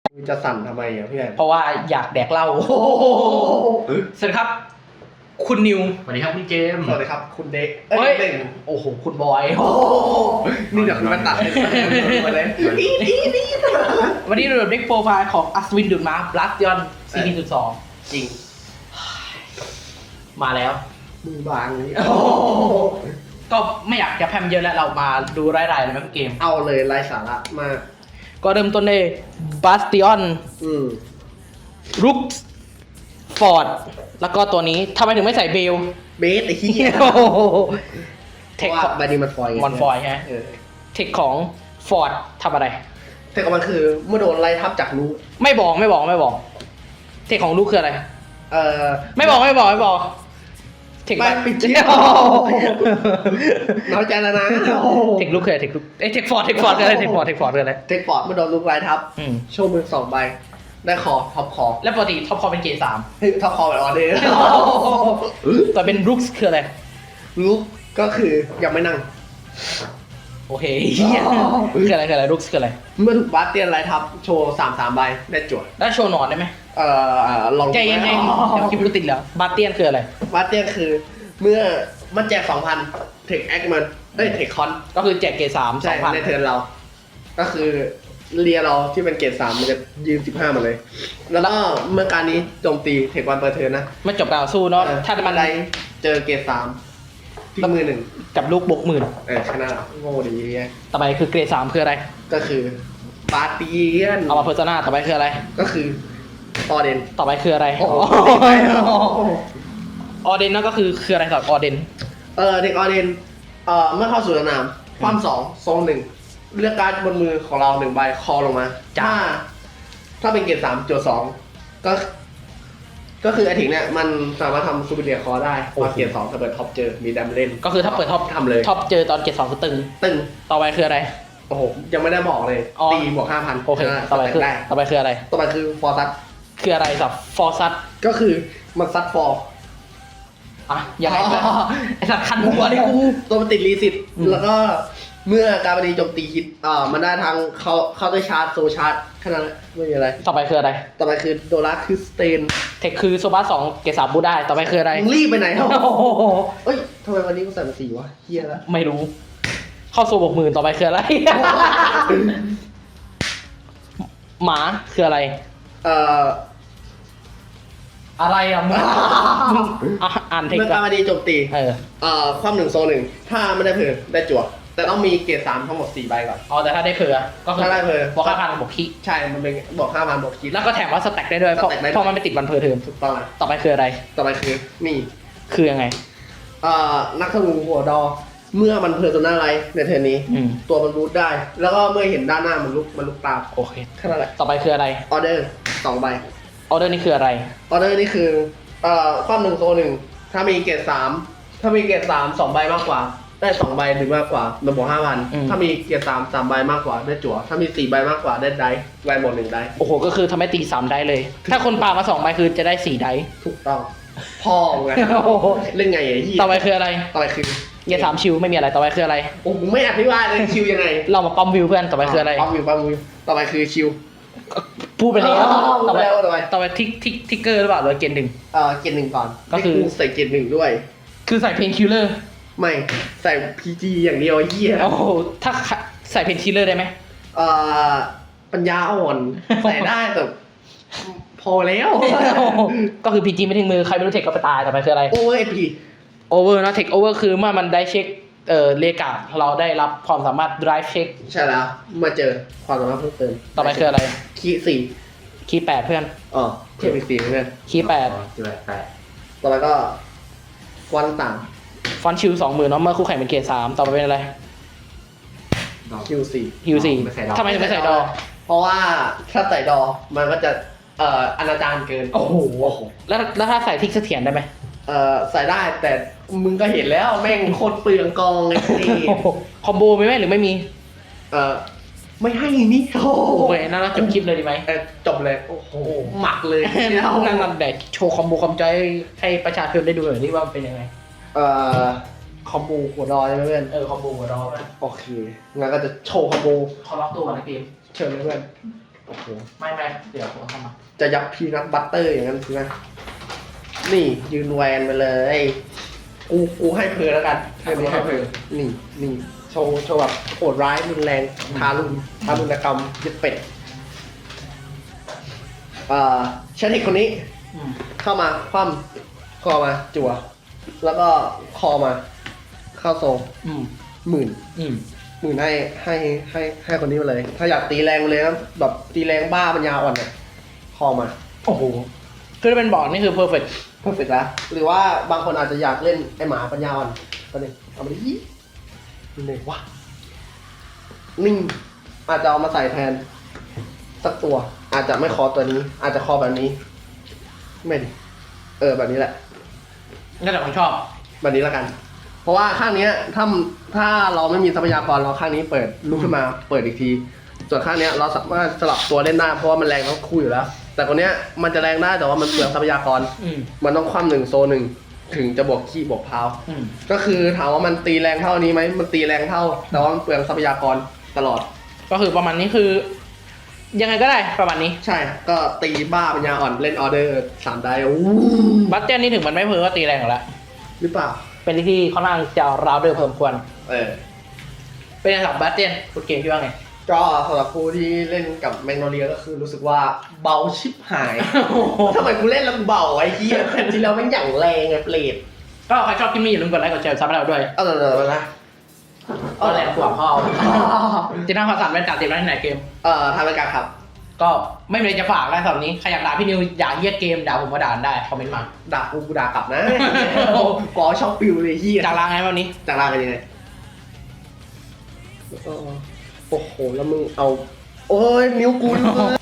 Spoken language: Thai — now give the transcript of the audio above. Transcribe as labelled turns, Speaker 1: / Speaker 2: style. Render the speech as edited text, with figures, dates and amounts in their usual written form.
Speaker 1: จะสั่นทำไมอ่ะพี่แอน
Speaker 2: เพราะว่าอยากแดกเหล้าสวัสดีครับ คุณนิว
Speaker 3: สวัสดีครับคุณเกม
Speaker 1: สวัสดีครับคุณเด็ก
Speaker 2: เฮ้ย
Speaker 1: เด็ก
Speaker 2: โอ้โห คุณบอย
Speaker 1: นี่เดี๋ยวคุณมาตัดเลยมาเลย
Speaker 2: วันนี้เราเด็กโปรไฟล์ของอัศวินดุจม้าบลัสยอน4.2
Speaker 1: จริง
Speaker 2: มาแล้ว
Speaker 1: มือบางนี่
Speaker 2: ก็ไม่อยากจะแพร่มเยอะแล้วเรามาดูรายๆเลยไหมเกม
Speaker 1: เอาเลยไร้สาระมาก
Speaker 2: ก็เริ่มต้นด้วยบาสติออน
Speaker 1: ม
Speaker 2: รุกฟอร์ดแล้วก็ตัวนี้ทำไมถึงไม่ใส่เบล
Speaker 1: เบสไอ้ขี้ย
Speaker 2: เท
Speaker 1: เพ
Speaker 2: ค
Speaker 1: ราะว่าใบนี้มันฟอยล์ไง
Speaker 2: มันฟอยล์ใช่ไหม
Speaker 1: เออ
Speaker 2: เทคของฟอร์ดทำอะไร
Speaker 1: แต่ก็มันคือเมื่อโดนไล่ทับจากนู้น
Speaker 2: ไม่บอกเทคของลูกคืออะไร
Speaker 1: เออ
Speaker 2: ไม่บอกเทค
Speaker 1: ไม่ปิดเที่ยวน้อยใจแล้วนะ
Speaker 2: เทคลูกคืออะไรเทคลูกเทคฟอร์ดคืออะไรเทคฟอร์ดคืออะไร
Speaker 1: เทคฟอร์ดเมื่อโดนลูกไล่ทับ
Speaker 2: อืม
Speaker 1: โชว์มือ2 ใบ ได้คอท็อปคอ
Speaker 2: แล้วปกติท็อปคอเป็นเกรดสาม
Speaker 1: เฮ้ยท็อปคอแบบออเดอร์
Speaker 2: แต่เป็นรุกคืออะไร
Speaker 1: ลูกก็คือยังไม่นั่ง
Speaker 2: โอเคคืออะไรรุกคืออะไร
Speaker 1: เมื่อถูกบาสเตียนไล่ทับโชว์3 ใบได้จั่ว
Speaker 2: แล้วโชว์หนอนได้ไหม
Speaker 1: ลอง
Speaker 2: ใจเย็นๆเดี๋ยวคลิปก็ติดแล้วบาเตียนคืออะไร
Speaker 1: บาสเตียนคือเมื่อมันแจก 2,000 เทคแอคมันเทคคอน
Speaker 2: ก็คือแจกเกรดสาม
Speaker 1: ใช่
Speaker 2: 2,000
Speaker 1: ในเทิร์นเรา ก็คือเรียเราที่เป็นเกรด3มันจะยืน15มาเลย แล้วก็เมื่อการนี้โจมตีเทควันเปิดเทิร์นนะ
Speaker 2: ไม่จบการสู้เนาะถ้ามัน
Speaker 1: ได้เจอเกรด3ที่มือ 1
Speaker 2: กับลูกบกหมื่น
Speaker 1: ชนะโง่ดีไง
Speaker 2: ต่อไปคือเกรดสามคืออะไร
Speaker 1: ก็คือบาสเตียน
Speaker 2: เอามาเพอร์ซนาต่อไปคืออะไร
Speaker 1: ก็คือออเดน
Speaker 2: ต่อไปคืออะไร
Speaker 1: โอ้โห
Speaker 2: ออเดนนั่นก็คืออะไรครับออเดน
Speaker 1: เด็กออเดนเมื่อเข้าสู่สนามความ2 โซน 1 เลือกการ์ดบนมือของเรา1 ใบคอลงมาถ้าเป็นเกรด3โจทย์2ก็คือไอถิงเนี่ยมันสามารถทำซูเปอร์เดียคอได้พอเกรด2ถ้าเปิดท็อปเจอมีดัมเล่น
Speaker 2: ก็คือถ้าเปิดท็อป
Speaker 1: ทำเลย
Speaker 2: ท็อปเจอตอนเกรดสองคือตึง
Speaker 1: ตึง
Speaker 2: ต่อไปคืออะไร
Speaker 1: โอ้โหยังไม่ได้บอกเลย
Speaker 2: อ๋อ
Speaker 1: ตีบวก 5,000
Speaker 2: โอเคต่อไปคือ
Speaker 1: ได้
Speaker 2: ต่อไปคืออะไร
Speaker 1: ต่อไปคือฟอร์ซัต
Speaker 2: คืออะไรสับฟอร์ซัต
Speaker 1: ก็คือมันซัดฟอร์
Speaker 2: อ่ะยังไงไอสัตว์คันหัวดิกู
Speaker 1: ตัวมันติดรีสิต
Speaker 2: อืม
Speaker 1: แล้วก็เมื่อการบันดีโจมตีฮิตมันได้ทางเข้าด้วยชาร์จโซชาร์จแค่นั้นแหละไม่มีอะไร
Speaker 2: ต่อไปคืออะไร
Speaker 1: ต่อไปคือโดราคือสเตน
Speaker 2: เทคคือโซบาสองเกรดสามบูได้ต่อไปคืออะไร
Speaker 1: มึงรีบไปไหนครับ
Speaker 2: โอ้โห
Speaker 1: เอ้ยทำไมวันนี้กูใส่มาสีวะเฮียแล้ว
Speaker 2: ไม่รู้ เข้าโซบกหมื่นต่อไปคืออะไร หมาคืออะไร
Speaker 1: เอ่อ
Speaker 2: อะไรอ่ะมึงอ่านเทค
Speaker 1: เมื่อการบันดีโจมตี ความ1 โซน 1ถ้าไม่ได้เผื่อได้จั่วแต่ต้องมีเกรด3ทั้งหมด4 ใบก่อน
Speaker 2: อ๋อแต่ถ้าได้เผื่อก็คือ
Speaker 1: ถ้าได้เผื่อ
Speaker 2: บอก5,000บอกคิ
Speaker 1: ใช่มันเป็นบอก 5,000บอกคิด
Speaker 2: แล้วก็แถมว่าสแต็กได้ด้วยเพราะ
Speaker 1: สแต็กได้ด้วย
Speaker 2: เพราะมันไม่ติดวันเพอร์เทอม
Speaker 1: ถูกต้อง
Speaker 2: ต่อไปคืออะไร
Speaker 1: ต่อไปคือนี่
Speaker 2: คือยังไง
Speaker 1: นักธนูหัวดอ เมื่อมันเพอร์โซนาไลท์ในเทอร์นนี้
Speaker 2: อืม
Speaker 1: ตัวมันบูทได้ แล้วก็เมื่อเห็นด้านหน้ามันลุกตาม
Speaker 2: โอเค
Speaker 1: แค่นั้นแหละ
Speaker 2: ต่อไปคืออะไร
Speaker 1: ออเดอร์2 ใบ
Speaker 2: ออเดอร์นี่คืออะไร
Speaker 1: ออเดอร์นี่คือความ1 โซน 1ถ้ามีเกรด3ถ้ามีเกรด3 2 ใบมากกว่า ได้2 ใบหรือมากกว่ามันบวก 5,000ถ้ามีเกรด3 ใบมากกว่าได้จั่วถ้ามี4 ใบมากกว่าได้ไดฟ์แวนบวก1 ไดฟ์
Speaker 2: โอ้โหก็คือทำให้ตี3ได้เลย ถ้าคนปามา2ใบคือจะได้4ได้
Speaker 1: ถูกต้องพ่อไง
Speaker 2: โอ้โห
Speaker 1: เล่นไงไอ้ที่
Speaker 2: ต่อไปคืออะไร
Speaker 1: ต่อไปคือ
Speaker 2: เกียร์สามชิวไม่มีอะไรต่อไปคืออะไร
Speaker 1: โอ้ผมไม่อธิบายเลยคิวยังไง
Speaker 2: เรามาปั๊มวิวเพื่อนต่อไปคืออะไร
Speaker 1: ปั๊มวิวต่อไปคือคิว
Speaker 2: พูดไปแล้วต่อไป
Speaker 1: ต่อไป
Speaker 2: ต่อไปทิกเกอร์หรือเปล่าหรือเกณฑ์หนึ่ง
Speaker 1: เกรด 1ก่อน
Speaker 2: ก็คือ
Speaker 1: ให้ใส่เกรด 1ด้วย
Speaker 2: คือใส่เพนคิลเลอร์
Speaker 1: ไม่ใส่ PG อย่างเดียวไอ้เหี้ย
Speaker 2: โอ้โหถ้าใส่เพนคิลเลอร์ได้ไหม
Speaker 1: ปัญญาอ่อนใส่ได้แต่พอแล้ว
Speaker 2: ก็คือพีจีไม่ถึงมือใครไม่รู้เทคก็ไปตายต่อไปคืออะไร
Speaker 1: โอเวอร์เอพี
Speaker 2: โอเวอร์นะเทคโอเวอร์คือเมื่อมันได้เช็คเลกาเราได้รับความสามารถ drive check
Speaker 1: ใช่แล้วมาเจอความสามารถเพิ่มเติม
Speaker 2: ต่อไปคืออะไร
Speaker 1: คีย์
Speaker 2: คีย์8เพื่อน
Speaker 1: 4เทียบอีก4เพื่อน
Speaker 2: คีย์
Speaker 1: ต่อไปก็ควันต่าง
Speaker 2: 8ฟอนชิล20,000เนาะเมื่อคู่แข่งเป็นเกรด3ต่อไปเป็นอะไร
Speaker 1: คิว 4
Speaker 2: ฮิว4ทำไมถึงไม่ใส่ดอ
Speaker 1: เพราะว่าถ้าใส่ดอมันก็จะอนาจารเกิน
Speaker 2: โอ้โหแล้วถ้าใส่ทิกเสถียรได้ไหม
Speaker 1: ใส่ได้แต่มึงก็เห็นแล้วแม่งโคตรเปลืองกองเลยนี่
Speaker 2: คอมโบมีไหมหรือไม่มี
Speaker 1: ไม่ให้นี่โอ้
Speaker 2: โอเคน่าจบคลิปเลยดีไหม
Speaker 1: จบเลยโอ้โหหมักเลย
Speaker 2: นั่งแดกโชว์คอมโบคอมจอยให้ประชาชนได้ดูหน่อยนี่ว่ามันเป็นยังไง
Speaker 1: คอมโบหัวดอยใช่ไหมเพื่อน
Speaker 2: คอมโบหัวดอ
Speaker 1: โอเคงั้นก็จะโชว์คอมโบ
Speaker 2: เขาล็อกตัวก่อนในเกม
Speaker 1: เชิญเลยเพื่อนโอ้โห
Speaker 2: ไม่เดี๋ยวผมเข้ามา
Speaker 1: จะยับพีนัทบัตเตอร์อย่างนั้นใช่ไหมนี่ยืนแวนไปเลย กูให้เพลแล้วกันให้เพลนี่โชว์แบบโหดร้ายรุนแรงทารุณกรรมยึดเป็ดเชนเทคคนนี้
Speaker 2: อืม
Speaker 1: เข้ามาคว่ำคอมาจั่วแล้วก็คอมาเข้าโซง
Speaker 2: อืม
Speaker 1: หมื่น
Speaker 2: อืม
Speaker 1: ให้คนนี้มาเลย ถ้าอยากตีแรงเลยนะแบบตีแรงบ้าปัญญาอ่อนเนี่ยคอมา
Speaker 2: โอ้โหคือถ้าเป็นบอร์ดนี่คือเพอร์เฟกต์
Speaker 1: เพอร์เฟกต์แล้วหรือว่าบางคนอาจจะอยากเล่นไอหมาปัญญาอ่อนก็เลยเอามาดินี่เลยวะนิ่งอาจจะเอามาใส่แทนสักตัว อาจจะไม่คอตัวนี้ อาจจะคอแบบนี้ ไม่ดิแบบนี้แหละ
Speaker 2: ก็แต่ผมชอบ
Speaker 1: แบบนี้แล้วกัน เพราะว่าข้างเนี้ยถ้าเราไม่มีทรัพยากรเราข้างนี้เปิดลุกขึ้นมาเปิดอีกที ส่วนข้างเนี้ยเราสามารถสลับตัวเล่นได้เพราะว่ามันแรงทั้งคู่อยู่แล้ว แต่คนเนี้ยมันจะแรงได้แต่ว่ามันเปลืองทรัพยากร
Speaker 2: อืม
Speaker 1: มันต้องคว่ำหนึ่งโซนหนึ่งถึงจะบวกขี้บวกพาว
Speaker 2: อืม
Speaker 1: ก็คือถามว่ามันตีแรงเท่านี้ไหมมันตีแรงเท่า แต่ว่ามันเปลืองทรัพยากรตลอด
Speaker 2: ก็คือประมาณนี้คือ ยังไงก็ได้ประมาณนี้
Speaker 1: ใช่ก็ตีบ้าปัญญาอ่อนเล่นออเดอร์3ได้อู้
Speaker 2: บัตเจนนี่ถึงมันไม่เพอก็ตีแรงอยู่แล้ว
Speaker 1: หรือเปล่า
Speaker 2: เป็นที่ค่อนข้างจะราวเดอร์เพิ่มควร
Speaker 1: เออ
Speaker 2: เป็นสำหรับบัตเจนฟุตเกมคิดว่าไง
Speaker 1: ก็สำหรับผู้ที่เล่นกับแมกโนเลียก็คือรู้สึกว่าเบาชิบหาย ทำไมกูเล่นแล้วกูเบาไอ้เหี้ยแผ่นที่แล้วมันอย่างแรงไงเปรต
Speaker 2: ก็ใครชอบคลิปนี้อย่าลืมกดไลค์กดแชร์ซับให้เราด้วย
Speaker 1: เอานะ
Speaker 2: ก็แรงกว่าพ่อจีน่าภาษาเป็นการเต็มแล้วที่ไหนเกม
Speaker 1: ทางรายการครับ
Speaker 2: ก็ไม่มีอะไรจะฝากแล้วสำหรับนี้ใครอยากด่าพี่นิวด่าเยี่ยเกมด่าผมก็ด่าได้คอมเมนต์มา
Speaker 1: ด่ากูด่ากลับนะกอชอบปิวเลยเหี้ย
Speaker 2: จากลาไงวันนี้
Speaker 1: จากลากันยังไงโอ้โหแล้วมึงเอา โอ้ยนิ้วกู